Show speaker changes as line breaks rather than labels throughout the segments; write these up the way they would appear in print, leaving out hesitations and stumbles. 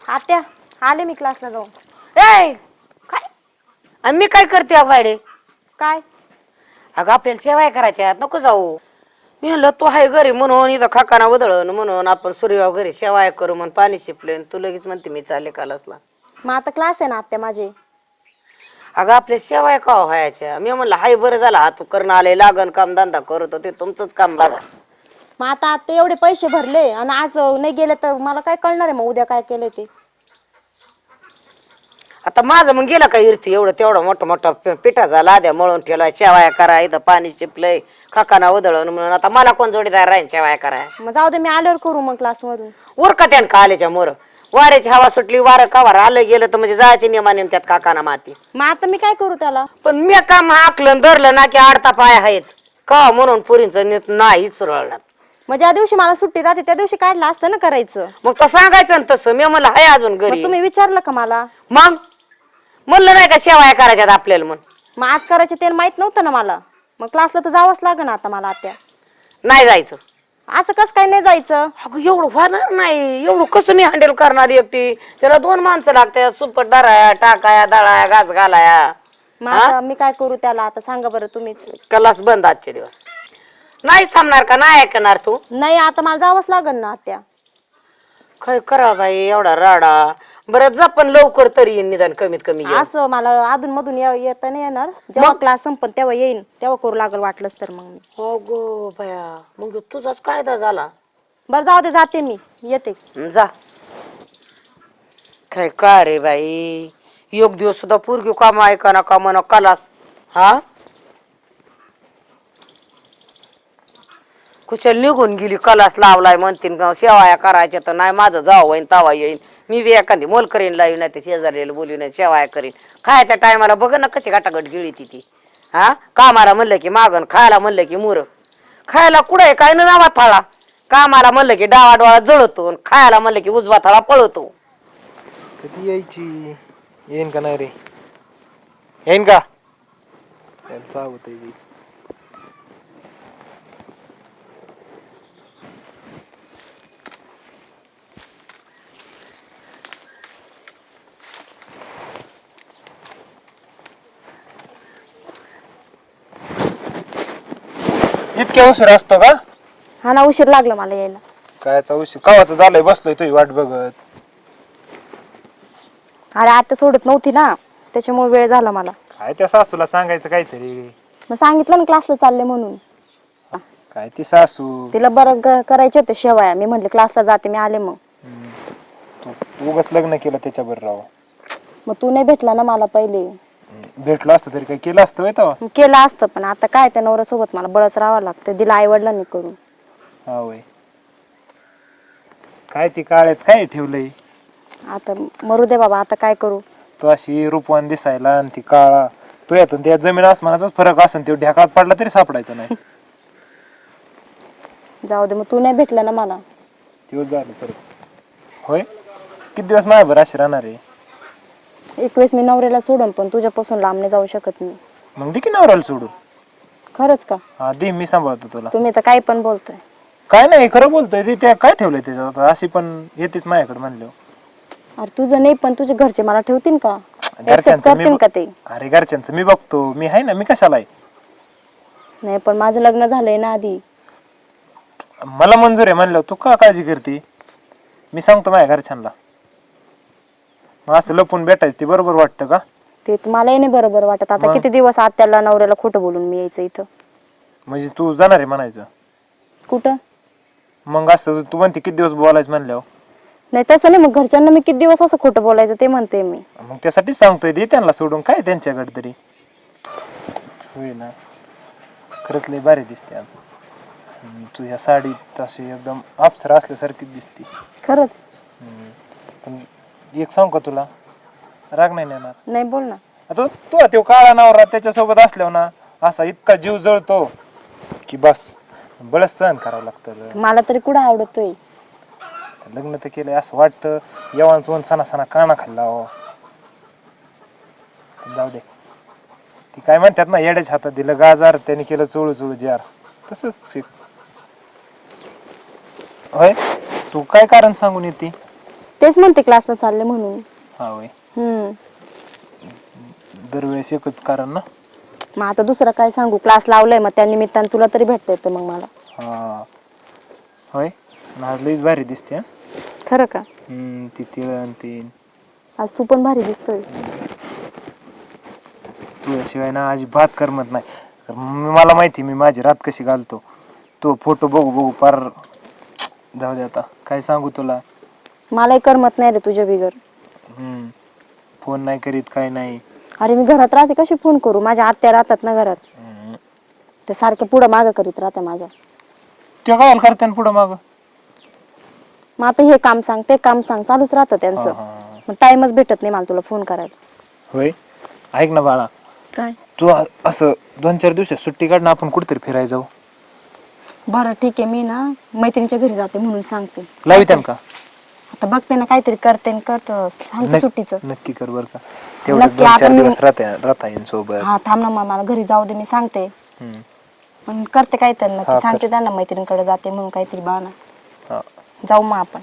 आत्या आले मी क्लासला जाऊन.
ए काय आणि मी काय करते बायडे?
काय
अगं आपल्याला सेवाय करायच्या नको जाऊ. मी म्हणलं तू आहे घरी म्हणून इथं खाकाना उधळण म्हणून आपण सूर्यवा घरी सेवाय करू म्हणून पाणी शिपले तू लगेच म्हणते मी चालले कालसला.
मग आता क्लास आहे ना आत्या माझे.
अगं आपल्या सेवाय का व्हायच्या? मी म्हणलं हाय बरं झाला हात करून आले लागन काम धंदा करत ते तुमचंच काम बघा.
मग आता आत्या एवढे पैसे भरले आणि आज नाही गेले तर मला काय कळणार आहे मग उद्या काय केलं ते.
आता माझं मग गेलं का इरती एवढं तेवढं मोठं मोठं पिठाचा लाद्या मळून ठेवला शेवाया करा इथं पाणी शिपलंय खाकाना उधळण म्हणून आता मला कोण जोडीदार राहील शेवाया कराय?
मग जाऊ दे मी आल्यावर करू मग क्लास मधून.
उरका त्यान का आल्याच्या मोर वाऱ्याची हवा सुटली वारं कवर आलं गेलं तर म्हणजे जायचे नियमाने त्यात काकाना माती.
मग आता मी काय करू त्याला?
पण मी काम हाकलं धरलं ना की आडता पाय आहेच का म्हणून पुरींचं नाही सुरळणार.
मग ज्या दिवशी मला सुट्टी राहते त्या दिवशी काढलं असतं ना करायचं.
मग तो सांगायचं ना तसं. मी म्हणलं हाय अजून घरी.
तुम्ही विचारलं का मला?
मग म्हणलं नाही का शेवाया करायच्यात आपल्याला म्हणून.
मग आज करायचे ते माहित नव्हतं ना मला. मग क्लासला तर जावंच लागेल आता मला आत्या.
नाही जायचं.
असं कसं काय नाही जायचं?
अगं एवढं होणार नाही. एवढं कसं मी हँडल करणार एकटी? त्याला 2 माणसं लागतात सुपट दराया टाकाया दळाया घास घालाया.
मग आता मी काय करू त्याला आता सांगा बरं तुम्हीच.
क्लास बंद आजचे दिवस. नाही थांबणार का? नाही ऐकणार तू?
नाही आता मला जावंच लागेल ना आत्या.
काय करा बाई एवढा राडा. बरं जा पण लवकर तरी येईन निदान कमीत कमी ये.
असं मला अधून मधून येता नाही येणार. जेव्हा क्लास संपन तेव्हा येईन तेव्हा करू लागल वाटलंच तर मग मी.
हो गो बया मग तुझाच कायदा झाला.
बरं जाऊ दे जाते मी येते.
जा. काय का रे बाई एक दिवस सुद्धा पोरगी काम ऐका ना का म्हणा कलास. हा कुशल निघून गेली कलास लावलाय म्हणतीन शेवाया करायच्या तर नाही माझं जावं होईन तवा येईन. मी बी एखादी मोल करीन लावी नाही ते शेजारीला बोलू नाही शेवाया करीन. खायच्या टायमाला बघ ना कशी गाटागट गिळी ती. हा कामाला म्हणलं की मागण खायला म्हणलं की मुर. खायला कुठे काय ना नावा थाळा. कामाला म्हणलं की डावा डोळा जळतो खायला म्हणलं की उजवा थाळा पळतो.
कधी यायची? येईन का नाही रे? येईन का? चावत आहे. इतक्या उशीर असतो का?
हा ना उशीर लागला मला यायला.
कायचा उशीर कवाचं झालंय बसलोय तुझी वाट बघत.
अरे आता सोडत नव्हती ना त्याच्यामुळे वेळ झाला मला.
काय त्या सासूला सांगायचं काहीतरी.
मग सांगितलं ना क्लासला चालले म्हणून.
काय ती सासू
तिला बरं करायचे होते शेवाया. मी म्हटले क्लासला जाते मी आले मग.
तू उगाच लग्न केलं त्याच्याबरोबर राव.
मग तू नाही भेटला ना मला पहिले.
भेटलो असतं तरी काय केलं असतं तेव्हा.
केलं असतं पण आता काय त्या नवऱ्यासोबत मला बळच राहावं लागतं. दिला आई वडिलांनी करून.
हा वय काय ती काळ्यात काय ठेवलंय?
आता मरू दे बाबा आता काय करू.
तू अशी रूपवान दिसायला आणि ती काळा तू यातून त्या जमीन आसमानाचाच फरक असेल. तो ढेकळात पडला तरी सापडायचं नाही.
जाऊ दे मग तू नाही भेटला ना मला.
दिवस झाले परत होय. किती दिवस माझ्यावर अशी राहणार आहे?
एक वेळेस मी नवऱ्याला सोडून पण तुझ्यापासून लांब नाही जाऊ शकत मी.
मग दे की नवऱ्याला सोडून.
खरंच का?
हा दे मी सांभाळतो तुला.
तुम्ही तर काही पण बोलतोय.
काय नाही खरं बोलतोय. ते त्या काय ठेवलंय त्याच्यात अशी पण येतेच माझ्याकडे म्हणलं.
अरे तुझं नाही पण तुझे घरचे मला ठेवतील का?
घरच्यांचं
करतील का ते?
अरे घरच्यांचं मी बघतो. मी आहे ना. मी कशाला आहे?
नाही पण माझं लग्न झालंय ना आधी.
मला मंजूर आहे म्हणलं तू का काळजी करते? मी सांगतो माझ्या घरच्यांना. मग असं लपून भेटायचं ते बरोबर वाटतं का?
ते मलाही नाही बरोबर वाटत. आता किती दिवस आत्याला नवऱ्याला खोटं बोलून मी यायचं इथं.
म्हणजे तू जाणार आहे म्हणायचं?
कुठं?
मग असं तू म्हणते किती दिवस बोलायचं म्हणल्यावर.
नाही तसं नाही. मग घरच्यांना मी किती दिवस असं खोटं बोलायचं ते म्हणते मी.
मग त्यासाठीच सांगतोय दे त्यांना सोडून. काय त्यांच्याकडे तरी होय ना. खरंच लय भारी दिसते आज तू ह्या साडीत. अशी एकदम अप्सरा असल्यासारखी दिसते
खरंच.
पण एक सांग का तुला? राग नाही येणार?
नाही बोल ना.
तू तो काळा नवरा त्याच्यासोबत असल्यावर ना असा इतका जीव जळतो की बस बळच सहन करावं लागतं.
मला तरी कुठं आवडतोय.
लग्न तर केलंय असं वाटतं येऊन तोंड सणा सणा काना खाल्ला. जाऊ दे. ती काय म्हणतात ना येड्याच्या हातात दिलं गाजार त्याने केलं चोळू चोळू जार. तसंच होय. तू काय कारण सांगून येते?
तेच म्हणते क्लासला चालले म्हणून.
हा होय.
हम्म.
दरवेळेस एकच कारण ना.
मग आता दुसरं काय सांगू, क्लास लावलाय मग त्या निमित्तानं तुला तरी भेटता येतं मग मला.
हा होय. आज लईच भारी दिसते हा.
खरं का?
ती तिळण तीन.
आज तू पण भारी दिसतोय.
तुझ्याशिवाय ना अजिबात करमत नाही. मला माहिती मी माझी रात कशी घालतो. तो फोटो बघू बघू पार जाऊ दे आता काय सांगू तुला.
मलाही करमत नाही रे तुझ्या बिगर.
फोन नाही करीत काय नाही.
अरे मी घरात राहते कशी फोन करू, माझ्या आत्या राहतात ना घरात, ते सारखे पुढं मागं करीत राहते माझ्या.
ते काय करते पुढं माग.
मग आता हे काम सांग ते काम सांग चालूच राहतं त्यांचं. मग टाइमच भेटत नाही मला तुला फोन करायला.
होय. ऐक ना बाळा,
काय?
तू असं 2-4 दिवसात सुट्टी काढ ना, आपण कुठेतरी फिरायला जाऊ.
बरं ठीक आहे, मी ना मैत्रिणीच्या घरी जाते म्हणून सांगते.
लावित्यान का?
आता बघते ना काहीतरी करते न करतो सांगते सुट्टीचं.
नक्की कर बर का. तेवढं
नक्की
2-4
आपण-
दिवस राहता येईल सोबत.
हा थांब ना मग, मला घरी जाऊ दे, मी सांगते. पण करते काहीतरी नक्की,
हा,
सांगते त्यांना मैत्रिणीकडे जाते म्हणून काहीतरी बहाणा.
हा.
जाऊ मग आपण.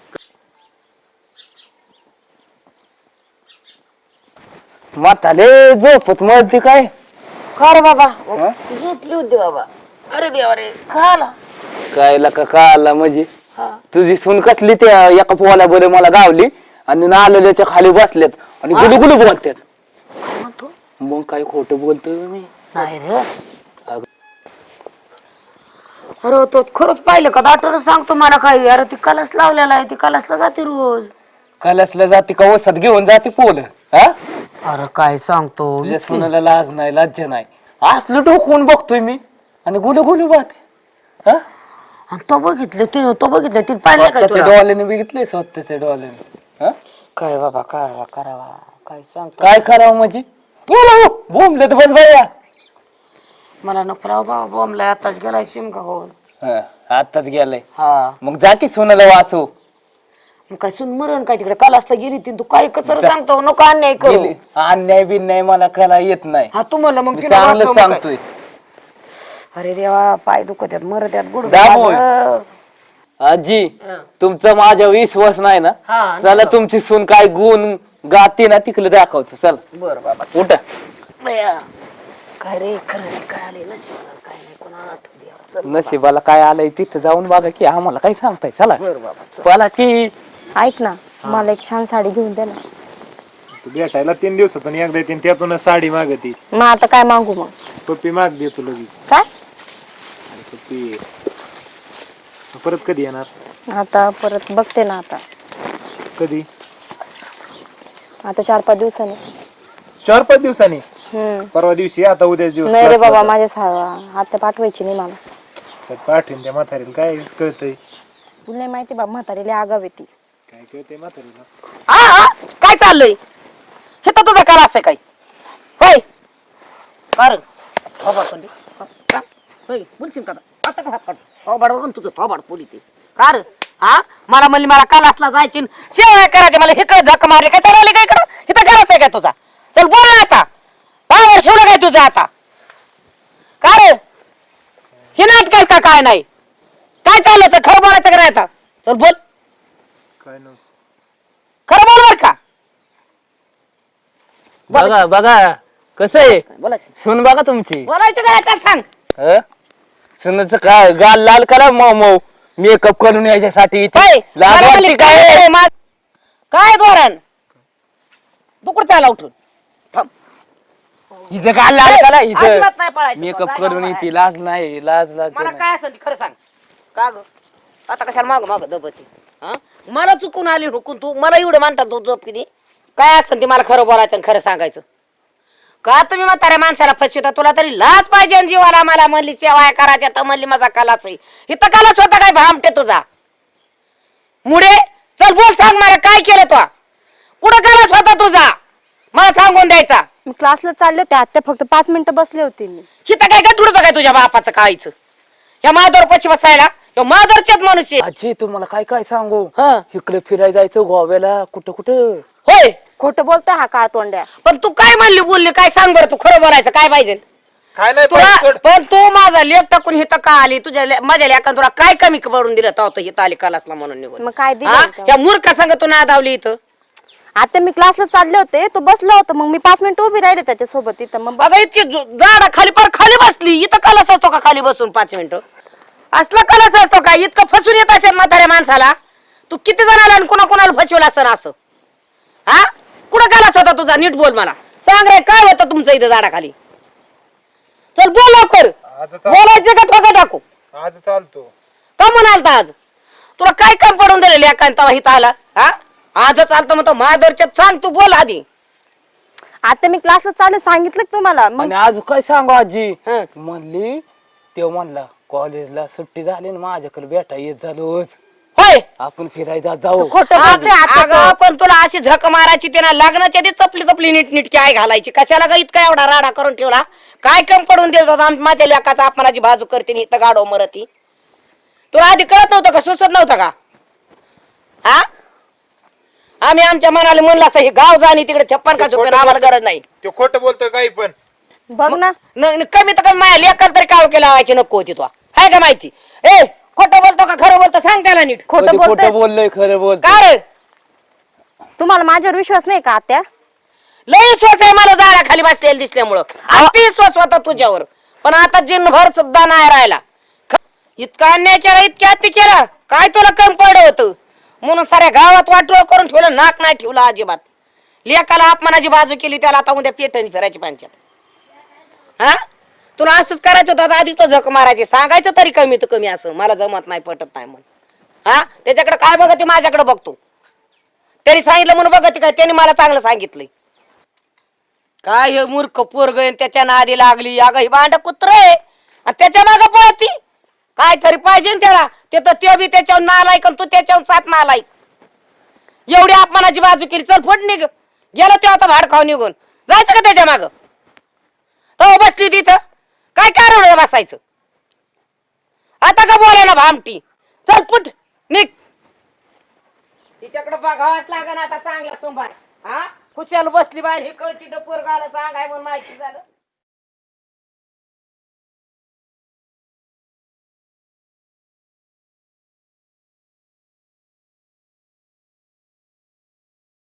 म्हाताले झोपत मरते काय?
का रे बाबा
हा?
झोपली होती बाबा. अरे देवा रे खाला.
काय लका कळाला म्हणजे तुझी सून कसली त्या एका पोहाला बरे मला गावली आणि नाल्याच्या खाली बसल्यात आणि गुलू गुलू बोलतात. मग काय खोटं बोलतोय मी?
नाही रे. अरे तो खरंच पाहिलं का, डॉक्टर सांगतो मला काही. अरे ती कलस लावलेला आहे, ती कलसला जाते रोज.
कलसला जाते का वसात घेऊन जाते पोल? हा
अरे काय सांगतो,
तुझ्या सुनाला लाज नाही लज्जा नाही. असलं डोकवून बघतोय मी आणि गुलू गुलू बोलते. हा
तो बघितलं ती पाहिलं का
स्वतःच्या
तुला?
डोळ्याने बघितलंय, स्वतःच्या डोळ्याने. हा
काय बाबा करावा काय सांगतो.
काय करावं म्हणजे? बोंबले तर बस बाया.
मला नको राव बाबा, बॉम्बला आताच गेलाय शिमका होऊन.
आताच गेलाय.
हा
मग जा की सुनाला वाचू.
मग काय सुन मरण काय तिकडे कलासला गेली ती, तू काय कसं सांगतो, नको अन्याय करू.
गेली. अन्याय बिन्याय मला कला येत नाही.
हा तुम्हाला मग
मी
तिला
चांगलं
वाचव मग काय.
सांगतोय.
अरे देवा, पाय दुखत आहेत, मरत आहेत, गुड
दाबोय. आजी तुमचा माझ्या विश्वास नाही ना. चला तुमची सून काय गुण गाते ना तिकडे दाखवतो. चल
बर बाबा
उठा.
काय रे खरं नाही, काय आले नशिबाला काय नाही, कोणा आठवू द्या. चल
नशिबाला काय आलंय तिथं जाऊन बघा की, आम्हाला काय सांगताय. चला
बर बाबा
बोला की.
ऐक ना, मला एक छान साडी घेऊन दे ना.
तू भेटायला 3 दिवसातून एकदा येते, त्यातूनच साडी मागती.
मग आता काय मागू मग?
पप्पी माग देतो लगेच.
काय?
पप्पी परत कधी येणार?
आता परत बघते ना. आता
कधी?
आता 4-5 दिवसांनी.
4-5 दिवसांनी?
हम्म.
परवा दिवशी, आता उद्याच दिवस.
नाही रे बाबा, माझ्या आता पाठवायची नाही मला.
पाठवून त्या म्हातारीला काय कळतंय?
तुला नाही माहिती बाबा, म्हातारीला आगाव येते.
काय कळतंय म्हातारीला?
काय चाललंय हे तर तुझा कला असं काय होय? कर बोलशील का आता का हात काढ थोबाड बघून तुझं थोबाड पोली ते कार. हा मला म्हणली मला कालासला जायची शेवया करायचे, मला इकडे झक मारली काय चालले काय इकडं, इथं करायचंय काय तुझा? चल बोल ना आता, पावर ठेवलं काय तुझं आता? कार हे नाटक का काय नाही, काय चाललं तर खरं बोलायचं का आता? चल बोल,
काय नव्हतं.
खरं बोल बर का.
बघा बघा कसं आहे
बोलायचं
सून बघा तुमची.
बोलायचं काय आता सांग.
सुनाचं काय गाल लाल करा मऊ मऊ मेकअप करून यायच्यासाठी इथे.
काय
लाज वाटते काय?
काय धोरण तू कुठं आला उठून थांब.
इथं गाल लाल करा इथं
अजिबात नाही पळायचं.
मेकअप
जागा
करून
उभा
येते. लाज नाही लाज लाज
मला
नाही.
काय असेल ते खरं सांग. का ग आता कशाला माग माग दबती? हा मला चुकून आली हुकून तू मला एवढं मानतात तू झोप किती काय असेल ते मला खरं बोलायचं आणि खरं सांगायचं. का तुम्ही म्हाताऱ्या माणसाला फसवता? तुला तरी लाज पाहिजे आणि जीवाला. मला म्हणली शेवाया करायच्या तर म्हणली माझा कलाच आहे. इथं कलाच होता काय भामटे तुझा मुडे? चल बोल, सांग मला काय केलं तू? कुठं कलाच होता तुझा मला सांगून द्यायचा.
मी क्लासला चालले होते, आता फक्त 5 मिनिटं बसले होते मी.
हिथं काय गटुडतं काय तुझ्या बापाचं काळीचं? या माधवर पशी बसायला माधवरचेच मनुष्य
आजी तुम्हाला काय काय सांगू.
हं.
इकडे फिरायला जायचं गोव्याला कुठं कुठं.
होय.
खोटं बोलतोय हा काळ तोंड्या.
पण तू काय म्हणली बोलली काय सांग बरं, तू खरं बोलायचं काय पाहिजे?
काय नाही
तुला
सोड.
पण तू माझा लेख टाकून हिथं का आली माझ्या लेखान तुला काय कमी पडून दिलं तर हिथं आली कलासला म्हणून निघून
मग काय
हा?
दिलं
या मूर्खा संग तू नादावली इथं
आता मी क्लासला चालले होते तो बसला होता मग मी 5 मिनिटं उभी राहिले त्याच्यासोबत इथं मग
बघा इतकी झाडा खाली पर खाली बसली इथं कलास असतो का खाली बसून 5 मिनिटं असला कलास असतो का इतकं फसून येत असेल म्हाताऱ्या माणसाला तू किती जणाला आणि कुणाला फसवलं असं असं हा कुठं कलास होता तुझा नीट बोल मला सांग रे काय होतं तुमचं इथं झाडाखाली चल बोल लवकर बोलायचं का ठोका टाकू
आज चालतो
का म्हणालता आज तुला काय काम पडून दिलेलं एकांता इथं आला हा आज चालतं म्हणतो महादरच्यात सांग तू बोल आधी
आता मी क्लासला चालले सांगितलं की तुम्हाला मग
आणि अजून काय सांगू आजी
हं.
म्हणली तेव्हा म्हणला कॉलेजला सुट्टी झाली ना माझ्याकडे भेटा येत झालोच
होय
आपण फिरायला जाऊ
खोटं बोलते आता
अगं
तो.
पण तुला अशी झक मारायची त्यांना लग्नाच्या आधी तपली नीट काय घालायची कशाला ग इतका एवढा राडा करून ठेवला काय कम पडून दिलं माझ्या लेकाचा अपमानाची बाजू करते आणि इथं गाडो मरती तुला आधी कळत नव्हतं का सुचत नव्हतं का हा आम्ही आमच्या मनाला म्हणलं असतं हे गाव जाणी तिकडे 56 का आम्हाला गरज नाही
तो खोटं बोलतोय काही पण
बघ ना
कमी तर कमी माझ्या लेकाला तरी काव केला लावायची नको होती तुला हाय का माहिती ए खोटं बोलतो का खरं बोलतो सांग त्याला नीट
खोटं
कधी
बोलतोय
खोटं बोललोय खरं बोलतो
का रे
तुम्हाला माझ्यावर विश्वास नाही का आत्या
लई विश्वास आहे मला झाडाखाली बसलेलं दिसल्यामुळं अति विश्वास होता तुझ्यावर पण आता जिनभर सुद्धा नाही राहिला इतका अन्याय केला इतक्या अति केला काय तुला कमी पडलं होतं म्हणून साऱ्या गावात वाटोळ करून ठेवलं नाक नाही ठेवलं अजिबात लेकाला अपमानाची बाजू केली त्याला आता उद्या पेटणी फिरायची पंचायत हा तुला असंच करायचं होतं आधी तो झक मारायची सांगायचं तरी कमी तर कमी असं मला जमत नाही पटत नाही म्हणून हा त्याच्याकडे काय बघते माझ्याकडे बघतो त्यांनी सांगितलं म्हणून बघते काय त्यांनी मला चांगलं सांगितलंय काय हे मूर्ख पोरग त्याच्या नादी लागली अगं ही भांड कुत्र आहे आणि त्याच्या मागं पळती काय तरी पाहिजे ना त्याला ते तर ते बी त्याच्यावर नालायक आणि तू त्याच्यावर 7 नालायक एवढी अपमानाची बाजू केली चल फट निघ गेलो ते आता भाड खाऊ निघून जायचं का त्याच्या मागं तो बसली तिथं काय कारण बसायचं आता का बोलाय ना भामटी चल फुट निघ तिच्याकडे बघावाच लागेल आता चांगला सोमवार हा खुशाल बसली बाहेर हे कळची पोरगाला सांगाय म्हणून माहिती झालं